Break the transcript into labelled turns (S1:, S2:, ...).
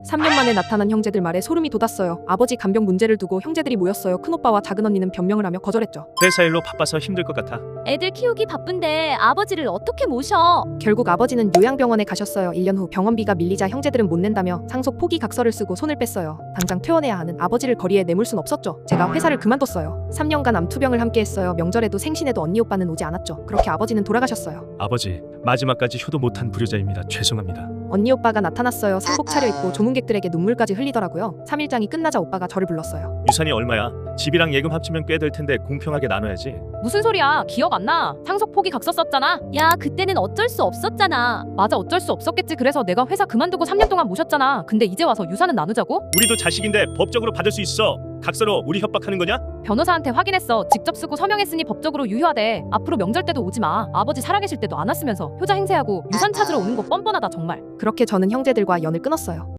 S1: 3년 만에 나타난 형제들 말에 소름이 돋았어요. 아버지 간병 문제를 두고 형제들이 모였어요. 큰오빠와 작은언니는 변명을 하며 거절했죠.
S2: 회사 일로 바빠서 힘들 것 같아.
S3: 애들 키우기 바쁜데 아버지를 어떻게 모셔?
S1: 결국 아버지는 요양병원에 가셨어요. 1년 후 병원비가 밀리자 형제들은 못 낸다며 상속 포기 각서를 쓰고 손을 뺐어요. 당장 퇴원해야 하는 아버지를 거리에 내몰 순 없었죠. 제가 회사를 그만뒀어요. 3년간 암투병을 함께 했어요. 명절에도 생신에도 언니 오빠는 오지 않았죠. 그렇게 아버지는 돌아가셨어요.
S2: 아버지, 마지막까지 효도 못한 불효자입니다. 죄송합니다.
S1: 언니 오빠가 나타났어요. 상복 차려입고 조문객들에게 눈물까지 흘리더라고요. 3일장이 끝나자 오빠가 저를 불렀어요.
S2: 유산이 얼마야? 집이랑 예금 합치면 꽤 될 텐데 공평하게 나눠야지.
S4: 무슨 소리야? 기억 안 나? 상속 포기 각서 썼잖아.
S3: 야, 그때는 어쩔 수 없었잖아.
S4: 맞아, 어쩔 수 없었겠지. 그래서 내가 회사 그만두고 3년 동안 모셨잖아. 근데 이제 와서 유산은 나누자고?
S2: 우리도 자식인데 법적으로 받을 수 있어. 각서로 우리 협박하는 거냐?
S4: 변호사한테 확인했어. 직접 쓰고 서명했으니 법적으로 유효하대. 앞으로 명절 때도 오지 마. 아버지 살아계실 때도 안 왔으면서 효자 행세하고 유산 찾으러 오는 거 뻔뻔하다 정말.
S1: 그렇게 저는 형제들과 연을 끊었어요.